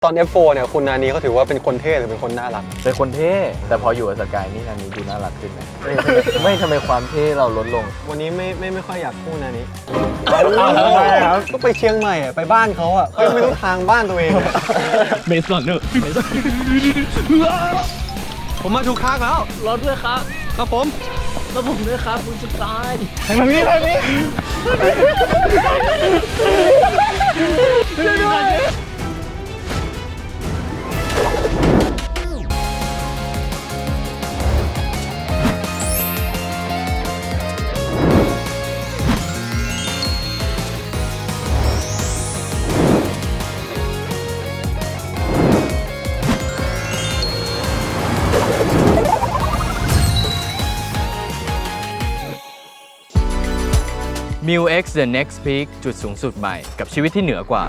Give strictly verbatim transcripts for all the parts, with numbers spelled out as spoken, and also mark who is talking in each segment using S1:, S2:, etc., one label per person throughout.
S1: ตอน เอฟ โฟร์ เนี่ยคุณนานีเขาถือว่าเป็นคนเท่หรือเป็นคนน่ารัก
S2: เป็นคนเท่แต่พออยู่กับสกายนี่นานีดูน่ารักขึ้นไหมไม่ทำไมความเท่เราลดลง
S1: วันนี้ไม่ไม่ไม่ค่อยอยากพูดนานีครับก็ไปเชียงใหม่อะไปบ้านเขาอ่ะเขาไม่รู้ทางบ้านตัวเอง
S3: เมสลอนเนอร์
S1: ผมมาถูกทางแล้ว
S3: รอด้วยครับ
S1: ครับผม
S3: แล้วผมด้วยครับคุณสกาย
S1: ทางนี้ทางนี้
S2: มิว X The Next Peak จุดสูงสุดใหม่กับชีวิตที่เหนือกว่า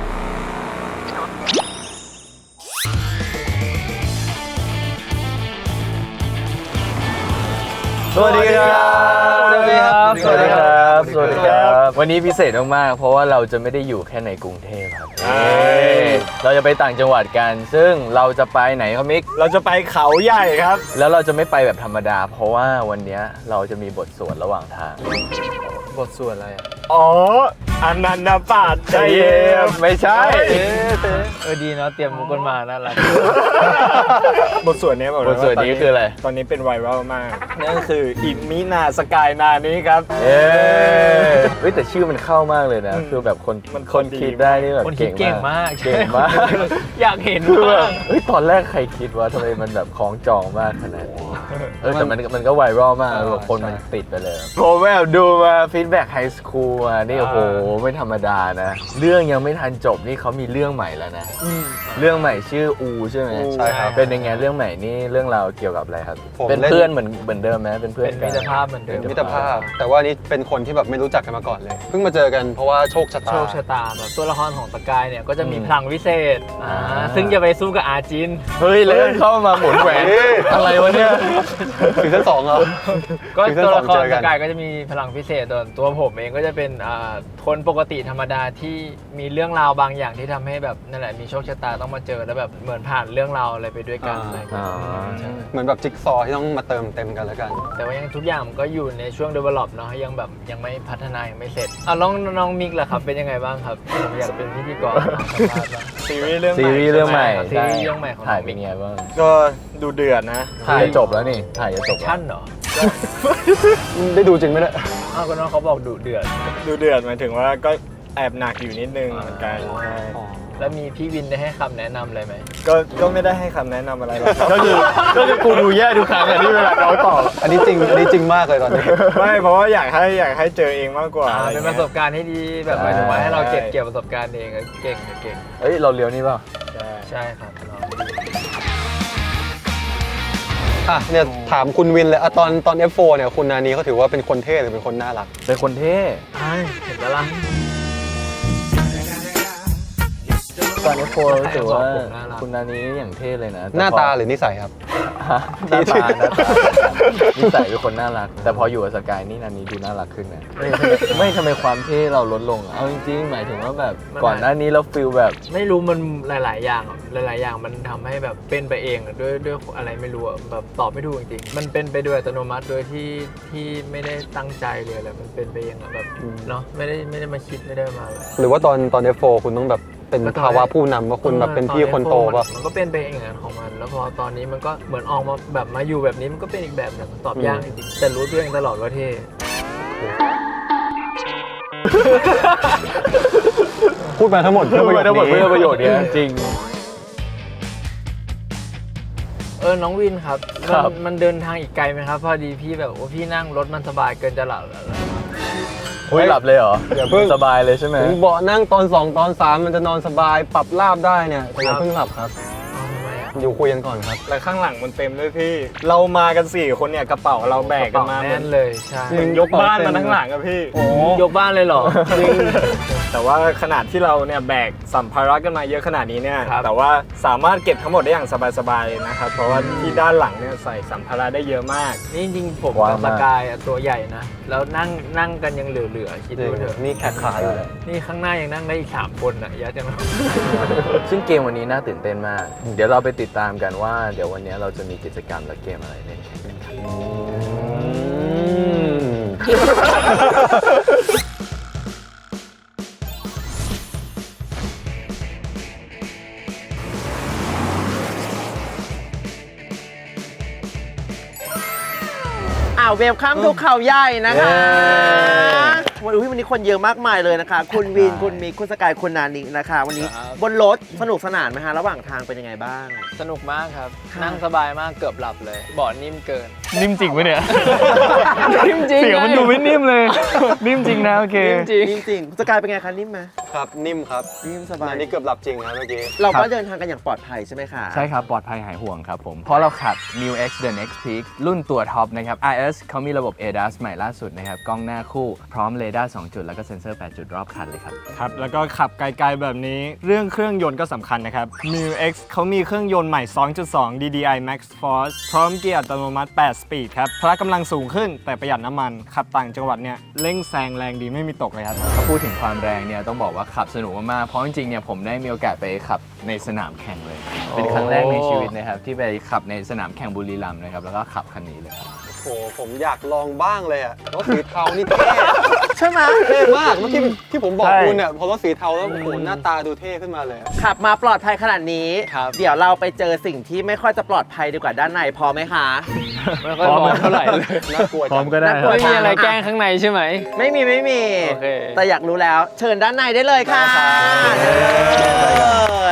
S2: สวัสดีครับสวัสดีครับสวัสดีครับสวัสดีครับวันนี้พิเศษมากๆเพราะว่าเราจะไม่ได้อยู่แค่ในกรุงเทพครับเราจะไปต่างจังหวัดกันซึ่งเราจะไปไหนครับมิก
S4: เราจะไปเขาใหญ่ครับ
S2: แล้วเราจะไม่ไปแบบธรรมดาเพราะว่าวันนี้เราจะมีบทสวดระหว่างทางบทสวดอะไรอ่ะ
S4: อ๋ออนันตปาฏใจเย็น
S2: ไม่ใช่
S3: เออดีเนาะเตรียมมุกกันมาน่ารัก
S4: บทสวดนี้บอกเลย
S2: บทสวดนี้คืออะไร
S4: ตอนนี้เป็นไวรัลมากนั่นก็คืออิมินาสกายนานี้ครับ
S2: เอ๊เฮ้ยแต่ชื่อมันเข้ามากเลยนะคือแบบคน
S4: มัน
S2: คนคิดได้นี่แบบ
S3: คนคิดเก่งมาก
S2: เก่งมาก
S3: อยากเห็นมาก
S2: เฮ้ยตอนแรกใครคิดว่าทำไมมันแบบคล้องจองมากขนาดนี้เออแต่มันมันก็ไวรัลมากคนมันติดไปเลยผมแบบดูมาฟีดแบ็กไฮสคูลมานี่โอ้โหไม่ธรรมดานะเรื่องยังไม่ทันจบนี่เขามีเรื่องใหม่แล้วนะเรื่องใหม่ชื่ออูใช่ไหม
S1: ใช่ครับ
S2: เป็นยังไงเรื่องใหม่นี่เรื่องราวเกี่ยวกับอะไรครับเป็นเพื่อนเหมือนเหมือนเดิมไหมเป็นเพื่อน
S3: กันมิตรภาพเหมือนเดิม
S1: มิตรภาพแต่ว่านี่เป็นคนที่แบบไม่รู้จักกันมาก่อนเลยเพิ่งมาเจอกันเพราะว่าโชคชะตา
S3: โชคชะตาแบบตัวละครของสกายเนี่ยก็จะมีพลังวิเศษซึ่งจะไปสู้กับอาจิน
S2: เฮ้ยเล่นเข้ามาหมุนแหวนอะไรวะเนี่ย
S1: ถึงชั้นสองเหรอ
S3: ก็ตัวละครสกายก็จะมีพลังพิเศษตัวตัวผมเองก็จะเป็นคนปกติธรรมดาที่มีเรื่องราวบางอย่างที่ทำให้แบบนั่นแหละมีโชคชะตาต้องมาเจอแล้วแบบเหมือนผ่านเรื่องราวอะไรไปด้วยกันอะไร
S1: เหมือนแบบจิ๊กซอว์ที่ต้องมาเติมเต็มกันแล้วกัน
S3: แต่ว่ายังทุกอย่างมันก็อยู่ในช่วง develop เนาะยังแบบยังไม่พัฒนายังไม่เสร็จอ่ะน้องน้องมิกล่ะครับเป็นยังไไงบ้างครับอยากเป็นพิธีกร
S4: ซีรีส์เรื่อง
S2: ซีรีส์เรื่องใหม่
S3: ซีรีส์เรื่องใหม่ของ
S2: ถ่ายเป็นไงบ้าง
S4: ก็ดูเดือดนะ
S2: ถ่ายจบแล้วนี่ถ่ายจะจบ
S3: ชั่นเหรอ
S1: ได้ดูจริงไหมเนี่ย
S3: อ้าวก็น้องเขาบอกดูเดือด
S4: ดูเดือดหมายถึงว่าก็แอบหนักอยู่นิดนึงเหมือนกัน
S3: แล้วมีพี่วินได้ให้คำแนะนำอะไรไหม
S4: ก็ก็ไม่ได้ให้คำแนะนำอะไรหรอก
S2: ก็คือก็คือกูดูแย่ทุกครั้งอะที่เวลาเขาตอบ
S1: อันนี้จริงอันนี้จริงมากเลยตอนนี้
S4: ไม่เพราะว่าอยากให้อยากให้เจอเองมากกว่า
S3: เป็นประสบการณ์ที่ดีแบบหมายถึงว่าให้เราเก็บเกี่ยวประสบการณ์เองเก่งเก่ง
S2: เฮ้ยเราเลี้ยวนี่เปล่า
S3: ใช่ใช่ครับ
S1: อ่ะเนี่ยถามคุณวินเลยอะตอนตอน เอฟ โฟร์ เนี่ยคุณนานีเขาถือว่าเป็นคนเท่หรือเป็นคนน่ารัก
S2: เป็นคนเท่
S3: ใช่เห็นแล้วล่ะ
S2: ตอน เอฟ โฟร์ รู้สึกว่าคุณนานีอย่างเท่เลยนะ
S1: หน้าตาหรือนิสัยครับ
S2: หน้าตาหน้าตานิสัยเป็นคนน่ารักแต่พออยู่กับสกายนี่นานีดูน่ารักขึ้นนะไม่ทำไมความเท่เราลดลงเอาจริงๆหมายถึงว่าแบบก่อนหน้านี้เราฟีลแบบ
S3: ไม่รู้มันหลายๆอย่างหลายๆอย่างมันทำให้แบบเป็นไปเองด้วยด้วยอะไรไม่รู้แบบตอบไม่ถูกจริงๆมันเป็นไปโดยอัตโนมัติโดยที่ที่ไม่ได้ตั้งใจเลยอะไรมันเป็นไปเองแบบเนาะไม่ได้ไม่ได้มาคิดไม่ได้มา
S1: หรือว่าตอนตอน เอฟ โฟร์ คุณต้องแบบเป็นภาวะผู้นำว่าคุณแบบเป็นพี่คนโตป่ะ
S3: มันก็เป็นไปอย่างนั้นของมันแล้วพอตอนนี้มันก็เหมือนออกมาแบบมาอยู่แบบนี้มันก็เป็นอีกแบบหนึ่งตอบยากจริงแต่รู้ตัวเองตลอดว่าเท่
S1: พูดมาทั้งหมดเพื่อประโยชน์นี้
S2: เพื่อประโยชน์นี้จริง
S3: เออน้องวินครับมันเดินทางอีกไกลไหมครับพอดีพี่แบบว่าพี่นั่งรถมันสบายเกินจะหลับแล้ว
S2: เฮ้ยหลับเลยเหรออย่าเพิ่งสบายเลยใช่ไหม
S1: ผมเบาะนั่งตอนสองตอนสามมันจะนอนสบายปรับราบได้เนี่ยแต่อย่าเพิ่งหลับครับ
S3: ทำไมอ่ะ
S1: อยู่คุยกันก่อนครับ
S4: แล้วข้างหลังมันเต็มด้วยพี่ เรามากันสี่คนเนี่ยกระเป๋าเราแบกกันมา
S3: แน่นเลยใช่
S4: เหมือนยกบ้านมาทั้งหลังอะพี่
S3: โอ้ยกบ้านเลยเหรอ
S4: จริงแต่ว่าขนาดที่เราเนี่ยแบกสัมภาระกันมาเยอะขนาดนี้เนี่ย
S3: ครับ
S4: แต่ว่าสามารถเก็บทั้งหมดได้อย่างสบายๆเลยนะครับเพราะว่าที่ด้านหลังเนี่ยใส่สัมภาระได้เยอะมาก
S3: นี่จริงๆผม
S2: กว้าง
S3: กับส
S2: มาก
S3: กายอะตัวใหญ่นะ แล้วนั่งนั่งกันยังเหลือๆคิดดูเถอะ
S1: นี่แขกขาอยู่เลย
S3: นี่ข้างหน้ายังนั่งได้อีกสามคนอ่ะยัดจังเลย
S2: ซึ่งเกมวันนี้น่าตื่นเต้นมาก เดี๋ยวเราไปติดตามกันว่าเดี๋ยววันนี้เราจะมีกิจกรรมและเกมอะไรเล่นกันครับ
S5: อ้าวเวลคัมทุกเขาใหญ่นะคะวันนี้วันนี้คนเยอะมากมายเลยนะคะ คุณวิน คุณมิก คุณสกาย คุณนานินะคะ วันนี้
S3: ครับ
S5: บนรถสนุกสนานไหมฮะระหว่างทางเป็นยังไงบ้าง
S3: สนุกมากครับ
S5: ค่ะ
S3: นั่งสบายมากเกือบหลับเลยเบาะนิ่มเกิน
S4: นิ่มจริงปะเนี่ย
S3: นิ่มจริง
S4: เสียงมันดูไม่นิ่มเลย นิ่มจริงนะโอเค
S3: นิ่มจริง
S5: จริงๆคุณสกายเป็นไงคะนิ่มไหม
S1: ครับนิ่มครับ
S5: นิ่มสบาย
S1: อันนี้เกือบหลับจริงครับเมื่อกี้
S5: เราก็เดินทางกันอย่างปลอดภัยใช่ไหมคะ
S2: ใช่ครับ ปลอดภัยหายห่วงครับผม เพราะเราขับ New X The Next Peak รุ่นตัวท็อปนะครับ ไอ เอส เขามีระบบ เอ ดัส ใหม่ล่าสุดนะครับ กล้องหน้าคู่ พร้อมเรดาร์ สอง จุด แล้วก็เซ็นเซอร์ แปด จุดรอบคันเลยครับ
S4: ครับ แล้วก็ขับไกลๆแบบนี้ เรื่องเครื่องยนต์ก็สำคัญนะครับ มิว เอ็กซ์ เขามีเครื่องยนต์ใหม่ สองจุดสอง ดี ดี ไอ Max Force พร้อมเกียร์อัตโนมัติ แปด สปีดครับ พละกำลังสูงขึ้นแต่ประหยัดน้ำมัน ขับต่างจังหวัดเนี่ยเร่งแซงแรงดีไม่มีตกเลยครับ
S2: ถ้าพูดถึงความแรงเนี่ยต้องบอกว่าขับสนุกมากๆ เพราะจริงๆ เนี่ยผมได้มีโอกาสไปขับในสนามแข่งเลย เป็นครั้งแรกในชีวิตนะครับที่ไปขับในสนามแข่งบุรีรัมย์นะครับแล้วก็ขับคันนี้เลยครับ
S1: โอ้โหผมอยากลองบ้างเลยอะรถสีเทานี่เท่
S5: ใช่ไหม
S1: เท่มากเมื่อกี้ที่ผมบอก
S4: ใช่
S1: คุณเนี่ยพอรถสีเทาแล้วโอ้โหหน้าตาดูเท่ขึ้นมาเลยอะ
S5: ขับมาปลอดภัยขนาดนี้
S3: ครับ
S5: เดี๋ยวเราไปเจอสิ่งที่ไม่ค่อยจะปลอดภัยดีกว่าด้านในพอไหมคะ
S3: ไม่ค่อยพร้อมเท่าไหร่เลย
S1: น่ากลัว
S4: พร้อมก็ได้
S5: น่ากลัว
S3: ไม่มีอะไรแกล้งข้างในใช่ไหม
S5: ไม่มีไม่มี
S3: โอเค
S5: แต่อยากรู้แล้ว เชิญด้านในได้เลยค่ะเลย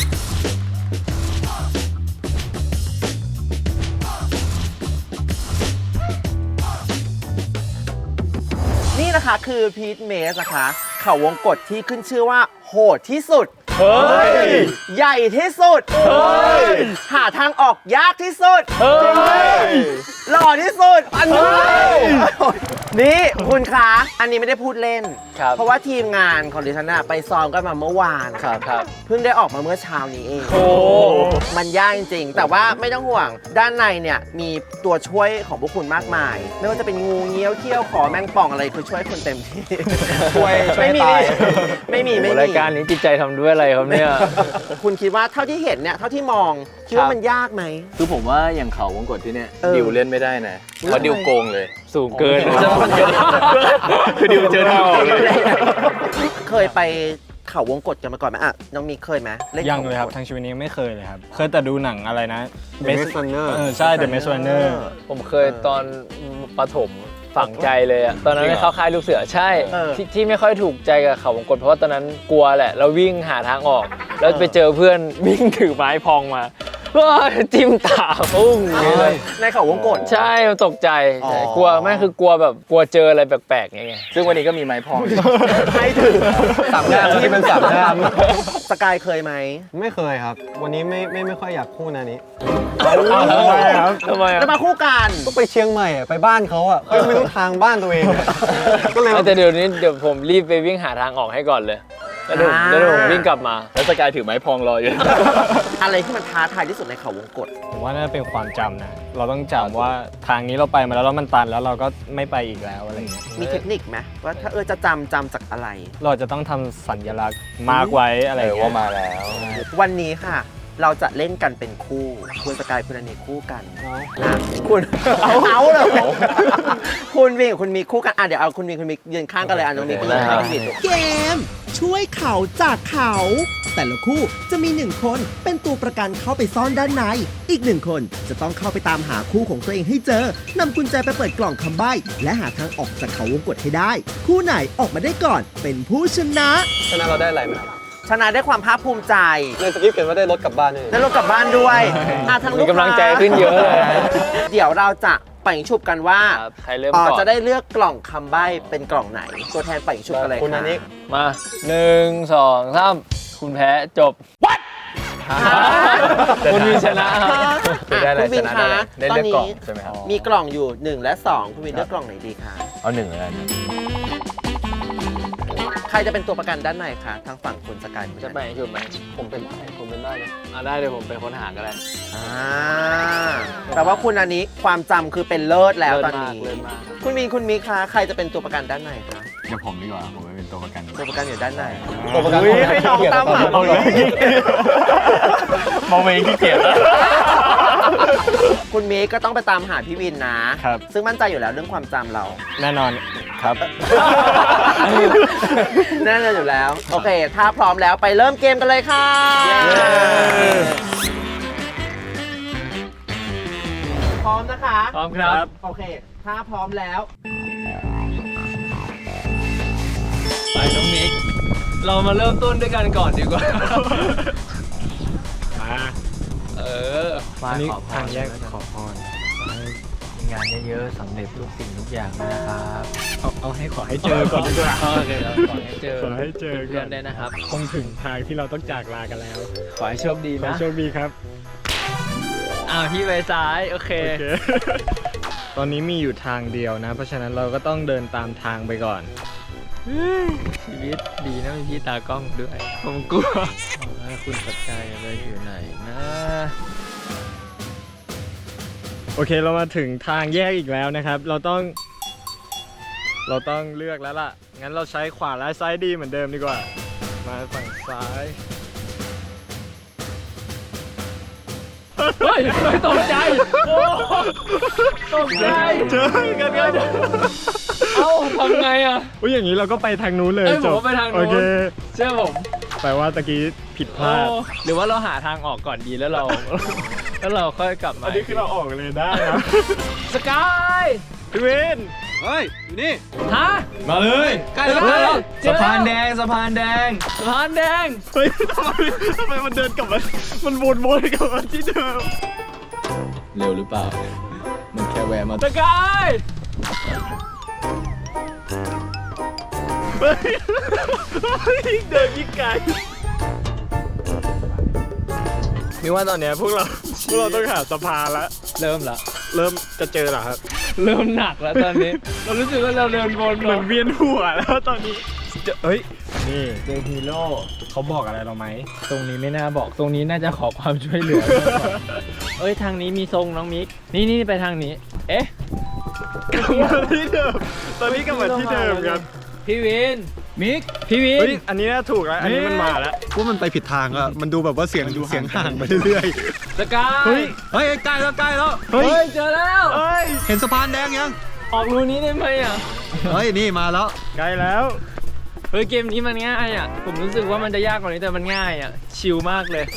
S5: นี่นะคะคือพีทเมสนะคะ เขาวงกฏที่ขึ้นชื่อว่าโหดที่สุด
S4: เฮ้ย
S5: ใหญ่ที่สุด
S4: เฮ้ย
S5: หาทางออกยากที่สุด
S4: เฮ้ย
S5: หล่อที่สุดอันนี้นี่คุณคะอันนี้ไม่ได้พูดเล่น
S3: ครับ
S5: เพราะว่าทีมงานของดิฉันน่ะไปซ้อมกันมาเมื่อวาน
S3: ครับครับ
S5: เพิ่งได้ออกมาเมื่อเช้านี้เอง
S4: โอ้
S5: มันยากจริงๆ แต่ว่าไม่ต้องห่วง ด้านในเนี่ยมีตัวช่วยของพวกคุณมากมาย ไม่ว่าจะเป็นงูเงี้ยวเขี้ยวขอแมงป่องอะไรคือช่วยคุณเต็มที่
S1: ช่วยช่วย
S5: ไม่มี
S1: ตาย
S5: ไม่มีไม่มี
S3: รายการนี้จิตใจทำด้วยอะไรครับเนี่ย
S5: คุณคิดว่าเท่าที่เห็นเนี่ยเท่าที่มองคิดว่ามันยากไหม
S2: คือผมว่าอย่างเขาวงกฏที่เนี่ย
S5: เออ
S2: ดิวเล่นไม่ได้นะเพราะดิวโกงเลย
S3: สูงเกิน
S2: คือดิวเจอหน้าออกเลย
S5: เคยไปเขาวงกฏกันมาก่อนไหมอ่ะน้องมีเคยไหมล่น
S4: ยัง
S5: ขาว
S4: เลยครับ
S5: กฏ
S4: ทางชีวิตนี้ไม่เคยเลยครับ เคยแต่ดูหนังอะไรนะ
S1: The Maze Runner
S4: เออใช่ The Maze Runner
S3: ผมเคยตอนประถมฝังใจเลยอะตอนนั้น
S4: จริงเหรอ
S3: เข้าค่ายลูกเสือใช่
S5: เออ
S3: ที่ที่ไม่ค่อยถูกใจกับเขาวงกตเพราะว่าตอนนั้นกลัวแหละแล้ววิ่งหาทางออก แล้วไปเจอเพื่อนวิ่งถือไม้พองมาว้าจิ้มตาปุ้งอย่างนี้เลย
S5: ในเขาวงกฏ
S3: ใช่มันตกใจ
S5: อ๋อ
S3: ใช่กลัวไม่คือกลัวแบบกลัวเจออะไรแปลกๆอย่างเงี้ย
S2: ซึ่งวันนี้ก็มีไม้พอง
S5: ให้ถือ
S1: สามงานที่เป็นสามงาน
S5: สกายเคยไหม
S1: ไม่เคยครับ วันนี้ไม่ไม่ไม่ค่อยอยากคู่นานี้
S4: ทำไมครับ
S3: ทำไมอะ
S5: จะมาคู่กัน
S1: ก็ไปเชียงใหม่อะไปบ้านเขาอ่ะเขาไม่รู้ทางบ้านตัวเองอะก็เลย
S3: แต่เดี๋ยวนี้เดี๋ยวผมรีบไปวิ่งหาทางออกให้ก่อนเลยแล้วเดี๋ยว
S5: อ่า
S3: แล้วเดี๋ยวผมวิ่งกลับมา
S2: แล้วสกายถือไม้พองรออยู่
S5: อะไรที่มันท้าทายที่สุดในเขาวงกฏ
S4: ผมว่าน่าจะเป็นความจำนะ เราต้องจำว่าทางนี้เราไปมาแล้วแล้วมันตันแล้วเราก็ไม่ไปอีกแล้วอะไรอย่างเงี้ย
S5: มีเทคนิคไหมว่าถ้าเออจะจำจำจากอะไร
S4: เราจะต้องทำสัญลักษณ์มาร์กไว้อะไรอย่างเงี้ย
S2: ว่ามาแล้ว
S5: วันนี้ค่ะ เราจะเล่นกันเป็นคู่ คุณสกายคุณอเนกคู่กันนะคุณเอาเอาเลย คุณวิ่งกับคุณมีคู่กันอ่ะเดี๋ยวเอาคุณมีคุณมียืนข้างกันเลยอ่ะน้องมีคุณยืนข้างกัน
S6: เกม ช่วยเขาจากเขา แต่ละคู่จะมีหนึ่งคนเป็นตัวประกันเข้าไปซ่อนด้านใน อีกหนึ่งคนจะต้องเข้าไปตามหาคู่ของตัวเองให้เจอนำกุญแจไปเปิดกล่องคำใบ้และหาทางออกจากเขาวงกฏให้ได้ คู่ไหนออกมาได้ก่อนเป็นผู้ชนะ
S1: ชนะเราได้อะไรไหมครับ
S5: ชนะได้ความภาคภูมิใจ
S1: ในสคริปต์เขียนว่าได้รถกลับบ้านด้วย
S5: ได้รถกลับบ้านด้วยอ่ะทางลู
S3: มี
S5: กค้าก
S3: ำลังใจขึ้นเยอะเลย
S5: เดี๋ยวเราจะปังฉุบกันว่า
S3: ครับใครเริ่ม
S5: อ๋อ
S3: ก่อน
S5: จะได้เลือกกล่องคำใบ้เป็นกล่องไหน ตัวแทนปังฉุบกันเลย
S1: คุณนา
S5: ค่ะ
S1: นี้
S3: มาหนึ่งสองสามคุณแพ้จบ
S5: อ่า
S3: คนมีชนะ
S2: จะได้อะไร
S5: คุณวิ
S2: ช
S5: น
S2: นะ
S5: คะ
S2: ได้อะไรได้
S5: ตอน
S2: เลือกกล่อง
S5: นี้
S2: ใช่ไหมครับ
S5: มีกล่องอยู่หนึ่งและสองคุณวินเลือกกล่องไหนดีคะ
S2: เอาหนึ่งแล้วกัน
S5: ใครจะเป็นตัวประกันด้านในคะทางฝั่งคุณสกายคุณ
S3: จะไปชุดไหม
S1: ผมเป็นได้ผมเป็นได้เลย
S3: อ่าได้เดี๋ยวผมไปค้นหาก็ได้
S5: อ่าแปลว่าคุณอันนี้ความจำคือเป็นเลิศแล้วตอนนี้
S3: เลิศมาก
S5: คุณวินคุณมิกคะใครจะเป็นตัวประกันด้านในคะ
S2: เดี๋ยวผมดีกว่า ผมไปเป็นตัวประกัน
S5: ตัวประกันอยู่ด้านใน
S1: ตัวประกัน
S5: อุ๊ยให้น้องตามหา
S1: เอาเลย
S2: มองเองขี้เกียจแล้ว
S5: คุณมิกก็ต้องไปตามหาพี่วินนะ
S4: ครับ
S5: ซึ่งมั่นใจอยู่แล้วเรื่องความจำเรา
S4: แน่นอนครับ
S5: แน่นอนอยู่แล้ว โอเค ถ้าพร้อมแล้วไปเริ่มเกมกันเลยค่ะ พร้อมนะคะ
S3: พร้อมครับ
S5: โอเค ถ้าพร้อมแล้ว
S3: ไปน้องมิก เรามาเริ่มต้นด้วยกันก่อนดีกว่า
S4: มา
S3: เออ
S4: อันนี้
S3: ขอพร
S4: ทางแยกขอพร
S3: มีงานเยอะๆสำเร็จทุกสิ่งทุกอย่างนะครับ
S4: เอาเอาให้ขอให้เจอก่อนดีกว่า
S3: โอเคเราขอให้เจอ
S4: ขอให้เจอก่
S3: เพื่
S4: อ
S3: อน นได้นะครับ
S4: คงถึงทางที่เราต้องจากลากันแล้ว
S3: ขอให้โชคดี
S4: ขอ
S3: นะ
S4: โชคดีครับ
S3: อ้าวพี่ไปซ้าย โอเค
S4: โอเค ตอนนี้มีอยู่ทางเดียวนะ เพราะฉะนั้นเราก็ต้องเดินตามทางไปก่อน
S3: ชีวิตดีนะมีพี่ตากล้องด้วย ผมกลัวว่าคุณสกายจะอยู่ไหนนะ
S4: โอเคเรามาถึงทางแยกอีกแล้วนะครับ เราต้อง เราต้องเลือกแล้วล่ะ งั้นเราใช้ขวาและซ้ายดีเหมือนเดิมดีกว่า มาฝั่งซ้าย
S3: เฮ้ยไม่ตกใจ โอ้ตกใจ
S4: เจอกันกัน
S3: เอ้าทำไงอ่ะ
S4: อุ้ยอย่างนี้เราก็ไปทางนู้นเลย
S3: เอ้ย
S4: จ
S3: ผม
S4: บ
S3: ว่าไปทางนู้น
S4: โอเค
S3: เชื่อผม
S4: แปลว่าตะกี้ผิดพลาด
S3: โอ้หรือว่าเราหาทางออกก่อนดีแล้วเรา แล้วเราค่อยกลับมา
S4: อันนี้คือเราออกเลยได้นะ
S3: สกาย
S4: พี่วิน
S1: เฮ้ย อยู่นี่
S3: ฮะ
S4: มาเลย
S3: ใกล้แล้วใกล้แล้ว
S2: สะพานแดงสะพานแดง
S3: สะพานแดง
S4: เฮ้ยทำไมทำไมมันเดินกลับมา มันวนๆกลับมาที่เดิม
S2: เร็วหรือเปล่า มันแค่แวะมา
S3: สกาย
S4: เฮ้ยยิ่งเดินยิ่งไกลนี่ว่าตอนเนี้ยพวกเรา พวกเราต้องหาสะพานแล้ว
S3: เริ่มละ
S4: เริ่มจะเจอเหรอครับ
S3: เริ่มหนักแล้วตอนนี้ เรารู้สึกว่าเราเดินวน
S4: เหมือนเวียนหัวแล้วตอนนี้เจอเฮ้ย นี่เจอฮีโร่เขาบอกอะไรเราไหม
S3: ตรงนี้ไม่น่าบอกตรงนี้น่าจะขอความช่วยเหลือ เอ้ยทางนี้มีทรงน้องมิก นี่นี่ไปทางนี้ เอ๊ะ
S4: กลับมาที่เดิม ตอนนี้กลับมาที่เดิมครับ
S3: พี่วิน มิก พี่วิ
S4: เฮ้ย
S3: น
S4: อันนี้น่าถูกแล้ว อันนี้มันมาแล้ว
S1: ว่ามันไปผิดทางอะมันดูแบบว่าเสียงเสียงห่างไปเรื่อย
S3: สกาย
S4: เฮ้ย
S1: ๆ เฮ้ยใกล้แล้วใกล้แล้ว
S4: เฮ้ย
S3: เฮ้ยเจอแล้ว
S4: เฮ้ย
S1: เห็นสะพานแดงยัง
S3: ออกรูนี้ได้ไหมอ่ะ
S1: เฮ้ย นี่มาแล้ว
S4: ใกล้แล้ว
S3: เฮ้ยเกมนี้มันง่ายอ่ะ ผมรู้สึกว่ามันจะยากกว่านี้แต่มันง่ายอ่ะ ชิลมากเลย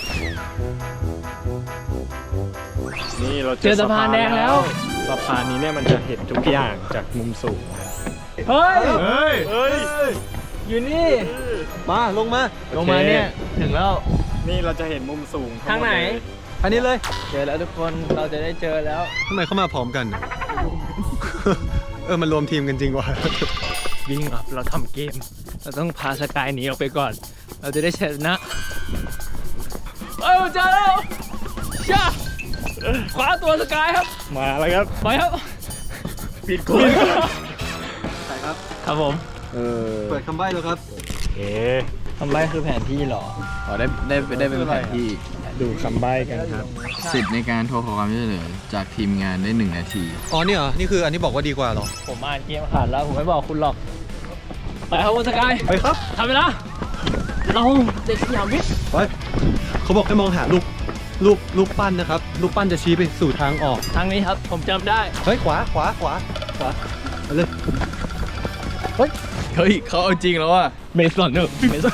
S4: นี่เรา
S3: เจอสะพานแดงแล้ว
S4: สะพานนี้เนี่ยมันจะเห็นทุกอย่างจากมุมสูงนะครับ
S3: เฮ้ย
S4: เฮ้ย เฮ้ย
S3: อยู่นี่
S1: มาลงมา
S3: ลงมาเนี่ย ถึงแล้ว
S4: นี่เราจะเห็นมุมสูง
S3: ทางไหน
S4: มดเลย
S1: อันนี้เลย
S3: เจอแล้วทุกคน เราจะได้เจอแล้ว
S1: ทำไมเข้ามาพร้อมกัน เออ มันรวมทีมกันจริงว่ะ
S3: วิ่งอ่ะเราทำเกม เราต้องพาสกายหนีออกไปก่อน เราจะได้ชนะเอ้ยเจอแล้วช่าขวาตัวสกายครับ
S4: มาแล้วครับ
S3: ไปครับ
S4: ปิดคุย
S1: ใช่ครับ
S3: ครับผม
S4: เออ
S1: เปิดคำใบ้แล้วครับ
S4: เอ๊
S3: ทำไรคือแผนที่หรอ
S2: อ๋อได้ได้ได้เป็นแผนที่
S4: ดูคำใบ้กันครับ
S2: สิทธิ์ในการโทรขอความช่วยเหลือจากทีมงานได้หนึ่งนาที
S1: อ๋อ นี่เหรอ นี่คืออันนี้บอกว่าดีกว่าเหรอ
S3: ผมอ่านเกมขาดแล้ว ผมไม่บอกคุณหรอก ไปครับคุณสกาย
S1: ไปครับ
S3: ทำไปแล้วเราเด็กสยามวิทย์
S1: ไป เขาบอกให้มองหาลูก ลูก ลูกปั้นนะครับ ลูกปั้นจะชี้ไปสู่ทางออก
S3: ทางนี้ครับ ผมจำได้
S1: เฮ้ย ขวา ขวา ขวา ขวาเอาเลย
S2: เฮ้ยเขาเอาจริงแล้วอ่ะ
S3: เมสลอนเนอร์เมส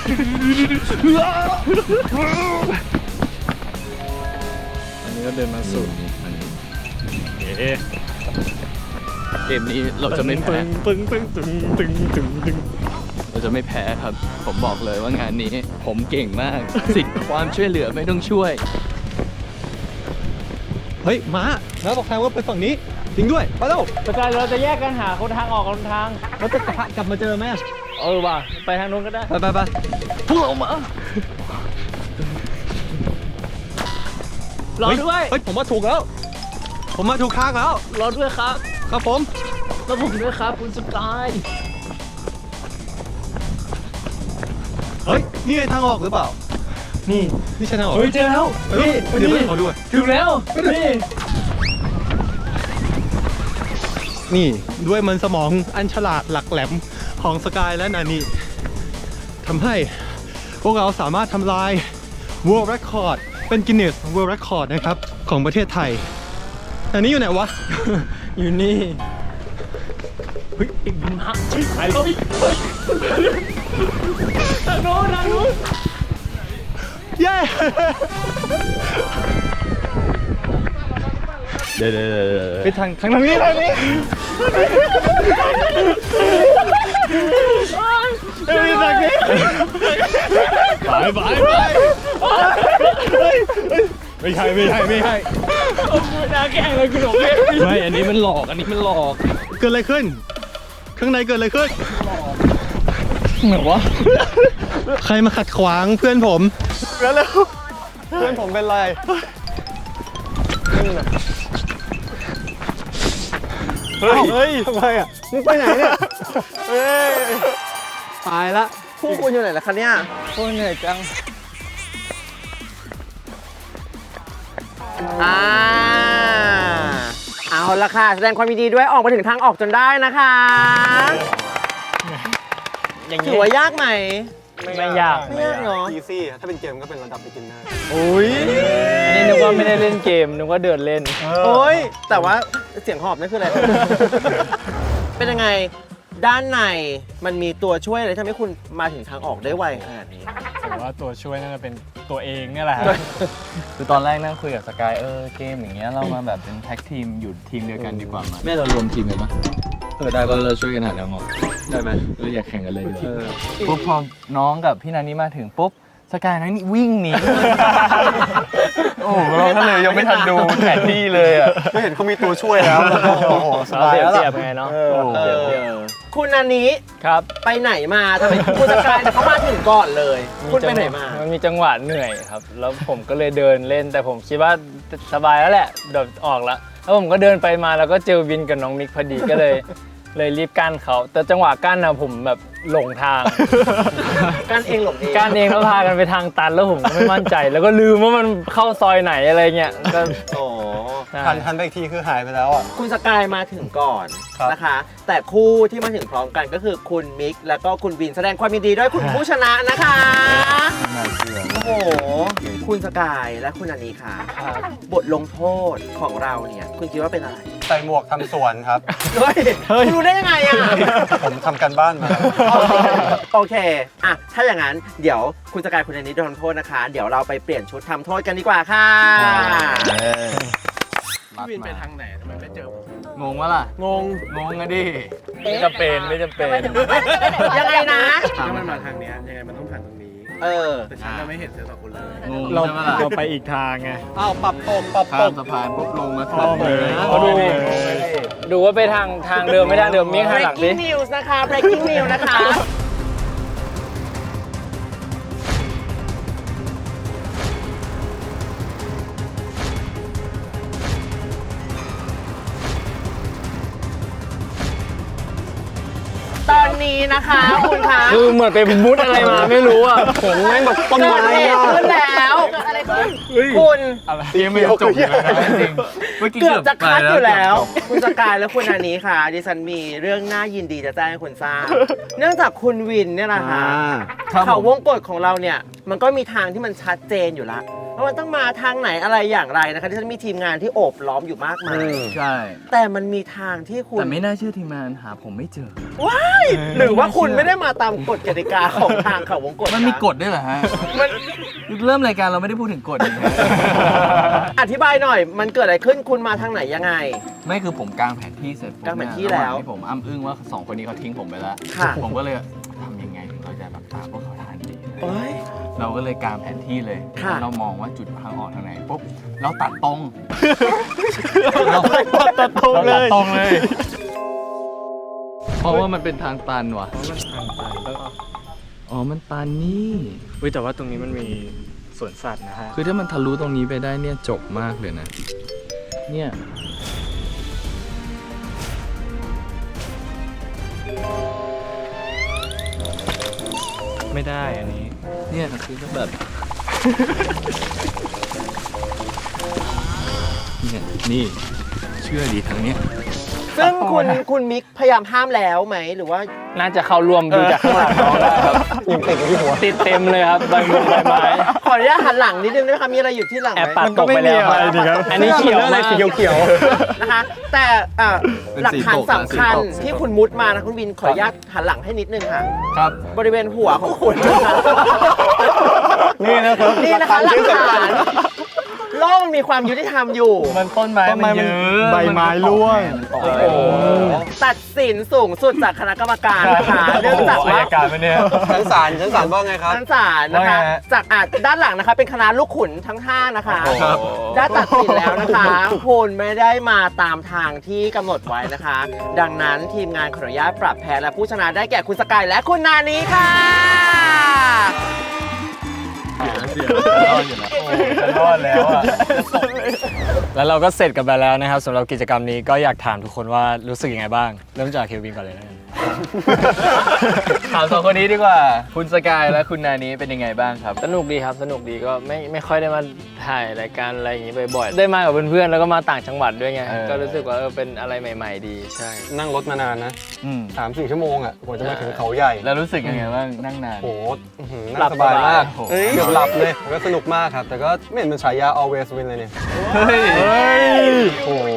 S4: อันนี้ก็เดินมาสู่เอ๊ะ
S2: เกมนี้เราจะไม่แพ้
S4: ปึ้งปึ้งตึงตึงตึงตึง
S2: เราจะไม่แพ้ครับ ผมบอกเลยว่างานนี้ ผมเก่งมาก สิทธิ์ความช่วยเหลือไม่ต้องช่วย
S1: เฮ้ย ม้าม้าบอกทางว่าไปฝั่งนี้ จริงด้วย ไปแล้ว
S3: สกายเราจะแยกกันหาคนทางออกคนทาง
S1: เราจะกลับมาเจอไหม
S3: เออว่ะ ไปทางนู้นก็ได้
S1: ไปไปไป
S3: พวกเรามารอด้วย
S1: เฮ้ยผมมาถูกแล้ว ผมมาถูกทางแล้ว
S3: รอด้วยครับ
S1: ครับผม
S3: แล้วผมด้วยครับคุณสกาย
S1: เฮ้ยนี่ไงทางออกหรือเปล่า นี่นี่ใช่ทางออก
S3: เฮ้ยเจอแล้ว
S1: เฮ้ยเดี๋ยวขอด้วย
S3: ถึงแล้วนี่
S1: นี่ด้วยมันสมองอันฉลาดหลักแหลมของสกายและนานีทำให้พวกเราสามารถทำลาย World Record เป็น Guinness World Record นะครับของประเทศไทยนานีอยู่ไหนวะ
S3: อยู่นี่เฮ้ยอีกบินพักเฮ้ยไปแล้วพี่เฮ้ยทางโน้นทางโน้น
S1: เย้
S2: เดี๋ยวเดี๋ยวเดี๋ยว
S4: ไปทางทางนี้ทางนี้
S1: ไปไปไปไม่ใช่ไม่ใช่ไม่ใช่
S3: น่าแกล้งเลยคุณหลงเลย
S1: ไม่อันนี้มันหลอกอันนี้มันหลอกเกิดอะไรขึ้น ข้างในเกิดอะไรขึ้นเหมือนวะใครมาขัดขวางเพื่อนผมแล้วแล้วเพื่อนผมเป็นไรเฮ้ยเฮ้ยทำไมอ่ะมึงไปไหนเนี่ยเฮ้ยตายละ
S5: คู่คุณอยู่ไหนล่ะคะเนี่ย
S3: โคตรเหนื่อยจัง
S5: อ่าเอาละค่ะแสดงความยินดีด้วยออกมาถึงทางออกจนได้นะคะ
S3: อย่าง
S5: ถื
S3: นี้
S5: อว่ายากไหม
S3: ไม่ยาก
S5: ไม่ยากเนาะ
S1: อีซี่ถ้าเป็นเกมก็เป็นระดับ beginner
S5: อุ้ย
S3: อันนี้นึกว่าไม่ได้เล่นเกมนึกว่าเดินเล่น
S5: โอ้ยแต่ว่าเสียงหอบนี่คืออะไร เป็นยังไงด้านในมันมีตัวช่วยอะไรที่ทำให้คุณมาถึงทางออกได้ไวขนาดนี้
S4: ผมว่าตัวช่วยน่าจะเป็นตัวเองเนี่ยแหละครับ
S2: คือตอนแรกนั่งคุยกับสกายเออเกมอย่างเงี้ยเรามาแบบเป็นแท็กทีมอยู่ทีมเดียวกันดีกว่าไหมแม่เรารวมทีมกันปะเออได้ปะเราช่วยกันหาทางออกได้ไหมเราอยากแข่งกันเลยดีกว่าปุ๊บพอน้องกับพี่นานี่มาถึงปุ๊บสกายนั้นวิ่งหนี โอ้โหเราก็เลยยังไม่ทันดูแผนที่เลยอ่ะ
S1: ก็เห็นเขามีตัวช่วยแล้วโอ้โหส
S3: เรา
S1: บาย
S3: เสีย
S1: แล้ว
S3: เสีย
S1: ล่ะ
S3: บไงเนาะ
S1: เออ
S5: เออคุณอันนี้
S3: ครับ
S5: ไปไหนมาทำไมคุณสกายเขามาถึงก่อนเลย คุณไปไหนมา
S3: นมีจังหวะเหนื่อยครับ แล้วผมก็เลยเดินเล่น แต่ผมคิดว่าสบายแล้วแหละเดี๋ยวออกแล้วแล้วผมก็เดินไปมาแล้วก็เจอวินกับน้องมิกพอดีก็เลย เลยรีบกั้นเขาแต่จังหวะกั้นนะผมแบบหลงทาง
S5: การเองหลงเอง
S3: กั้นเองแล้วพากันไปทางตันแล้วผมก็ไม่มั่นใจ แล้วก็ลืมว่ามันเข้าซอยไหนอะไรเงี้ยก็
S5: โอ้
S3: ใช่
S1: ทันทันไปอีกทีคือหายไปแล้วอ่ะ
S5: คุณสกายมาถึงก่อน
S1: ครับ
S5: นะคะ แต่คู่ที่มาถึงพร้อมกันก็คือคุณมิกแล้วก็คุณวินแสดงความยินดีด้วยคุณผู้ชนะนะคะ
S2: น่าเชื่อ
S5: โอ้โห คุณสกายและคุณอันนี้ค่ะ บทลงโทษของเราเนี่ย คุณคิดว่าเป็นอะไร
S1: ใส่หมวกทำสวนครับ
S5: เฮ้ยคุณรู้ได้ยังไงอ่ะ
S1: ผมทำการบ้านมา
S5: โอเค อ่ะ ถ้าอย่างนั้น เดี๋ยวคุณสกายคุณอันนี้โดนโทษนะคะ เดี๋ยวเราไปเปลี่ยนชุดทำโทษกันดีกว่าค่ะ
S2: พี่วินไปทางไหนทำไมไม่เจอผม
S3: งงวะล่ะ
S1: งง
S3: งงอะดิไม่จำเป็นไม่จำเป็น
S5: ยังไงนะ
S7: ถ้ามันมาทางเนี้ยยังไงมันต้องผ่านตรงนี้
S5: เออ
S7: แต่ฉันก็ไม่เห็นเธอสองคนเลย
S3: งง
S4: เรา
S3: ใช่ไหมล่ะ
S4: เราไปอีกทางไง
S1: อ้าวปรับตกปรับต
S2: ข้าม
S1: ก
S2: สะพานปุ๊บลงมา
S4: อ้อมเลย
S3: เขาดูดูว่าไปทางทางเดิมไม่ทางเดิมมีข้างหลังดิ
S5: breaking news นะคะ breaking news นะคะ ตอนนี้นะคะคุณคะ
S3: คือเหมือนไปมุดอะไรมาไม่รู้อ่ะ
S1: ผมแม่งแบบต้น
S5: เกิ
S1: ไม้
S5: ดเหตุ
S1: อะ
S5: ขึ้นแล้วเกิดอะไรขึ้นคุณ
S2: ยังไม่จบเลยนะจริงเมื่อกี้
S5: เกือบจะคัดอยู่แล้ว
S2: เกือบจบ
S5: คุณสกายและคุณอันนี้ค่ะ ดิฉันมีเรื่องน่ายินดีจะแจ้งให้คุณทราบ เนื่องจากคุณวินเนี่ยนะคะ
S2: ครับผม
S5: เขาวงกฎของเราเนี่ย มันก็มีทางที่มันชัดเจนอยู่แล้วว่ามันต้องมาทางไหนอะไรอย่างไรนะคะที่ฉันมีทีมงานที่โอบล้อมอยู่มากมาย
S2: ใช่
S5: แต่มันมีทางที่คุณ
S2: แต่ไม่น่าเชื่อทีมงานหาผมไม่เจอ
S5: ว้ายหรือว่าคุณไม่ได้มาตามกฎกติกาของทางเขาวงกฎ
S2: มันมีกฎด้วยเหรอฮะ
S5: มัน
S2: เริ่มรายการเราไม่ได้พูดถึงกฎนี่ฮะ
S5: อธิบายหน่อย มันเกิดอะไรขึ้นคุณมาทางไหนยังไง
S2: ไม่คือผมกางแผนที่เสร็จปุ๊บ
S5: กางแผนที่
S2: เยระหาง
S5: แล้ว
S2: ที่ผมอ้ำอึ้งว่าสองคนนี้เขาทิ้งผมไปแล้ว
S5: ค่ะ
S2: ผมก็เลยทำยังไงถึงเราจะแบบตามพวกเขาทันดี
S5: โอ้ย
S2: เราก็เลยกางแผนที่เลย
S5: ค่ะ
S2: เรามองว่าจุดทางออกทางไหนปุ๊บเราตัดตรง
S4: ตัดตรงเลย
S2: ราตัดตรงเลย เพราะว่ามันเป็นทางตันว่ะ อ๋อ มันตันนี่
S4: เฮ้ยแต่ว่าตรงนี้มันมีสวนสัตว์นะฮะ
S2: คือถ้ามันทะลุตรงนี้ไปได้เนี่ยจบมากเลยนะ เนี่ย
S4: ไม่ได้อันนี้
S2: เนี่ยคือก็แบบ เนี่ยนี่เชื่อดีทางเนี้ย
S5: ซึ่งคุณคุณมิกพยายามห้ามแล้วไหมหรือว่า
S3: น่าจะเข้าร่วมดูจากข้างหลังน้องได้ครับยังติดอยู่ที่หัวติดเต็มเลยครับใบมงใบไม้
S5: ขออนุญาตหันหลังนิดนึงได้ไหมคะมีอะไรอยู่ที่หลังไห
S3: แอบ
S5: ม
S3: ปัดตกไปแล้ว
S4: มันก็ไม่มีอะไรนี่ครับ
S3: อันนี้เขียวอะไรสีเขียว
S5: นะคะแต่อ่ะ
S2: เป็น
S5: หลัก
S2: สี
S5: ฐาน
S2: ตก
S5: สำคัญ
S2: สีตก
S5: ที่คุณมุดมานะคุณวินขออนุญาตหันหลังให้นิดนึงค่ะ
S2: ครับ
S5: บริเวณหัวของคุณนะคะ
S4: นี่นะครับ
S5: นี่นะคะหลักฐานโลกมันมีความยุติธรรมอยู่
S2: มันต้นไม้
S4: ต้นไม้
S2: มันเย
S4: มัน
S2: อะ
S4: ใบไม้ร่วง
S2: โอ้
S5: โอ้โหตัดสินสูงสุดจากคณะกรรมการนะคะเนื่องจากว่า
S2: การมันเนี่ย
S7: ชั้นศาลชั้นศาลว่าไงครับ
S5: ชั้นศาลนะคะ
S2: ว่าไงฮะ
S5: จากอาจด้านหลังนะคะ เป็นคณะลูกขุนทั้งห้านะคะ
S2: ครับ
S5: ได้ตัดสินแล้วนะคะคุณไม่ได้มาตามทางที่กำหนดไว้นะคะ ดังนั้นทีมงานขออนุญาตปรับแพ้และผู้ชนะได้แก่คุณสกายและคุณนานี้ค่ะ
S2: รอดแล้วอ่ะ
S4: แล้วเราก็เสร็จกันไปแล้วนะครับสำหรับกิจกรรมนี้ก็อยากถามทุกคนว่ารู้สึกยังไงบ้าง เริ่มจากเควินก่อนเลยนะ
S2: ถามสองคนนี้ดีกว่า คุณสกายและคุณนานี้เป็นยังไงบ้างครับ
S3: สนุกดีครับสนุกดีก็ไม่ไม่ค่อยได้มาถ่ายรายการอะไรอย่างนี้บ่อยๆได้มากับเพื่อนๆแล้วก็มาต่างจังหวัดด้วยไง
S2: เออ
S3: ก็รู้สึกว่าเออเป็นอะไรใหม่ ๆ ดีใช่
S7: นั่งรถมานานนะ
S2: อืม
S7: สามสี่ชั่วโมงอ่ะกว่าจะมาถึงเขาใหญ่
S2: แล้วรู้สึกยังไงบ้างนั่งนาน
S7: โอ้โหอื้อหือ
S3: หลั
S7: นั่
S3: บ
S7: งสบายมาก
S2: สบาย
S7: เฮ้ยเกือบหลับเลยก็สนุกมากครับ แต่ก็ไม่เห็นเป็นฉายา always win เลยเนี่ย
S2: เฮ้ยโอ้โห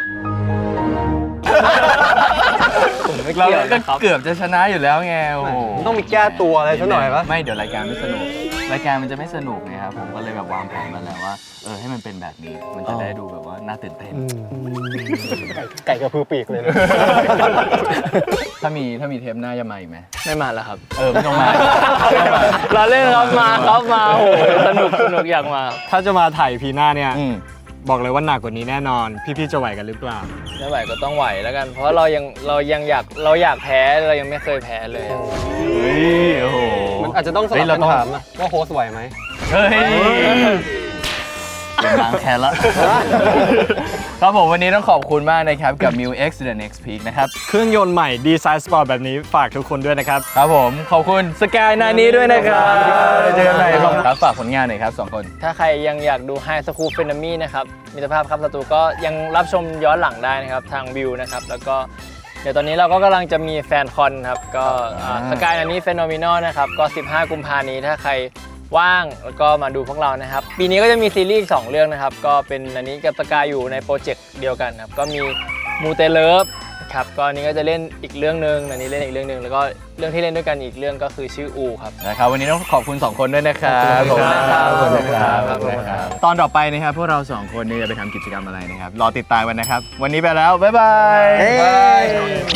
S3: ผมไม่
S2: เรา
S3: เกี่ยว
S2: ก็
S3: นะครับ
S2: เกือบจะชนะอยู่แล้วไงโอ้โห
S7: มันต้องมีแก้ตัวอะไรสักหน่อยปะ
S2: ไม่เดี๋ยวรายการไม่สนุก รายการมันจะไม่สนุกไงครับผมก็เลยแบบวางแผนมาแล้วว่าเออให้มันเป็นแบบนี้มันจะได้ดูแบบว่าน่าตื่นเต้น
S7: ไก่กระพือปีกเลยนะ
S2: ถ้ามีถ้ามีเทปหน้าจะมาอีกไหม
S3: ไม่มาแล้วครับ
S2: เออไม่ต้องมา
S3: เราเล่นครับมาครับมาโอ้โหสนุกสนุกอยากมา
S4: ถ้าจะมาถ่ายพีหน้าเนี่ย
S2: อืม
S4: บอกเลยว่าหนักกว่านี้แน่นอน พี่ๆจะไหวกันหรือเปล่า
S3: ไม่ไหวก็ต้องไหวแล้วกัน เพราะเรายังเรายังอยากเราอยากแพ้เรายังไม่เคยแพ้เลยอะ
S2: เฮ้ยโอ้โห
S7: มันอาจจะต้องส
S2: เฮ้
S7: ลั
S2: ย
S7: บ
S2: เรา
S7: กัน
S2: ต้อง
S7: ถามนะว่าโฮสต์ไหวไหม
S2: เฮ้ยเป็นล้างแค้นละ ครับผมวันนี้ต้องขอบคุณมากนะครับกับ มิว เอ็กซ์ The Next Peak นะครับ
S4: เครื่องยนต์ใหม่ดีไซน์สปอร์ตแบบนี้ฝากทุกคนด้วยนะครับ
S2: ครับผมขอบคุณสกายนานี้ด้วยนะครับเจอกันใหม่ครับฝากผลงานหน่อยครับสองคน
S3: ถ้าใครยังอยากดู High School p h e n o m e นะครับมิตรภาพครับศัตรูก็ยังรับชมย้อนหลังได้นะครับทางวิวนะครับแล้วก็เดี๋ยวตอนนี้เราก็กำลังจะมีแฟนคอนครับก็สกายอันนี้ Phenomenal นะครับก็สิบห้ากุมภาพันธ์นี้ถ้าใครว่างแล้วก็มาดูพวกเรานะครับปีนี้ก็จะมีซีรีส์อีกสองเรื่องนะครับก็เป็นอันนี้กับสกายอยู่ในโปรเจกต์เดียวกันครับก็มีมูเตเลิฟครับก็อันนี้ก็จะเล่นอีกเรื่องนึงอันนี้เล่นอีกเรื่องนึงแล้วก็เรื่องที่เล่นด้วยกันอีกเรื่องก็คือชื่ออูครับ
S2: นะครับวันนี้ต้องขอบคุณสองคนด้วยนะครับ
S3: ขอบคุณครับ
S2: ขอบคุณครับ
S3: ขอบคุณครับ
S2: ตอนต่อไปนะครับพวกเราสองคนนี่จะไปทำกิจกรรมอะไรนะครับรอติดตามกันนะครับวันนี้ไปแล้วบ๊ายบาย
S5: เฮ้ย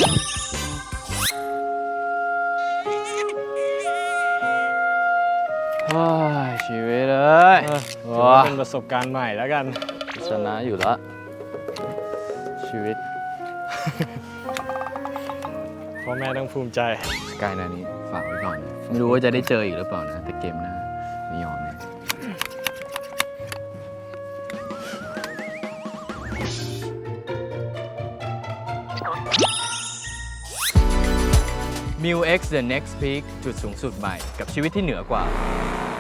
S3: โอ้ยชีวิตเลย
S4: ถือว่าเป็นประสบการณ์ใหม่แล้วกัน
S3: ชนะอยู่แล้วชีวิต
S4: พ่อแม่ต้องภูมิใจ
S2: สกายนานี้ฝากไว้ก่อนไม่รู้ว่าจะได้เจออีกหรือเปล่านะแต่เกมหน้าไม่ยอมนะ มิว X The Next Peak จุดสูงสุดใหม่กับชีวิตที่เหนือกว่า